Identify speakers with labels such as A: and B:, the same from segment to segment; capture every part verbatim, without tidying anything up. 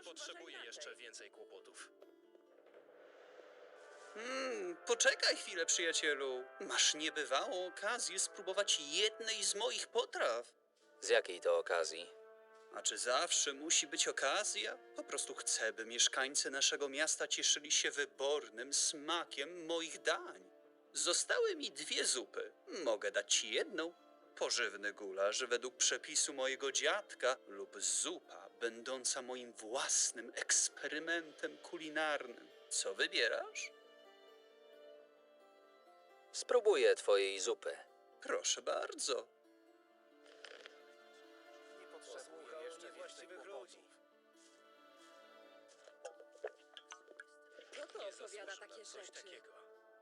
A: potrzebuję jeszcze więcej kłopotów.
B: Hmm, poczekaj chwilę, przyjacielu. Masz niebywałą okazję spróbować jednej z moich potraw.
C: Z jakiej to okazji?
B: A czy zawsze musi być okazja? Po prostu chcę, by mieszkańcy naszego miasta cieszyli się wybornym smakiem moich dań. Zostały mi dwie zupy. Mogę dać ci jedną. Pożywny gulasz według przepisu mojego dziadka lub zupa będąca moim własnym eksperymentem kulinarnym. Co wybierasz?
C: Spróbuję twojej zupy.
B: Proszę bardzo.
A: Nie potrzebuję jeszcze właściwych ludzi.
D: Kto to opowiada takie
A: Coś
D: rzeczy?
A: takiego.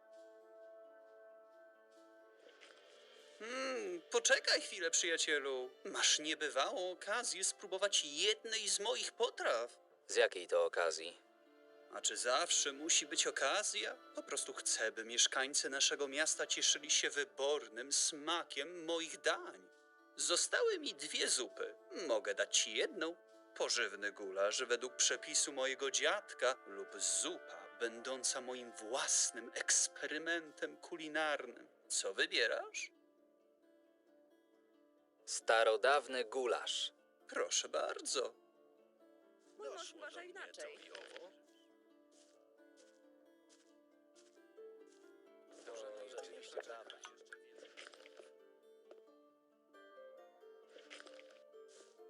B: Hmm, poczekaj chwilę, przyjacielu. Masz niebywałą okazję spróbować jednej z moich potraw.
C: Z jakiej to okazji?
B: A czy zawsze musi być okazja? Po prostu chcę, by mieszkańcy naszego miasta cieszyli się wybornym smakiem moich dań. Zostały mi dwie zupy. Mogę dać ci jedną. Pożywny gulasz według przepisu mojego dziadka lub zupa będąca moim własnym eksperymentem kulinarnym. Co wybierasz?
C: Starodawny gulasz.
B: Proszę bardzo.
D: Mój mąż uważa inaczej.
A: I owo.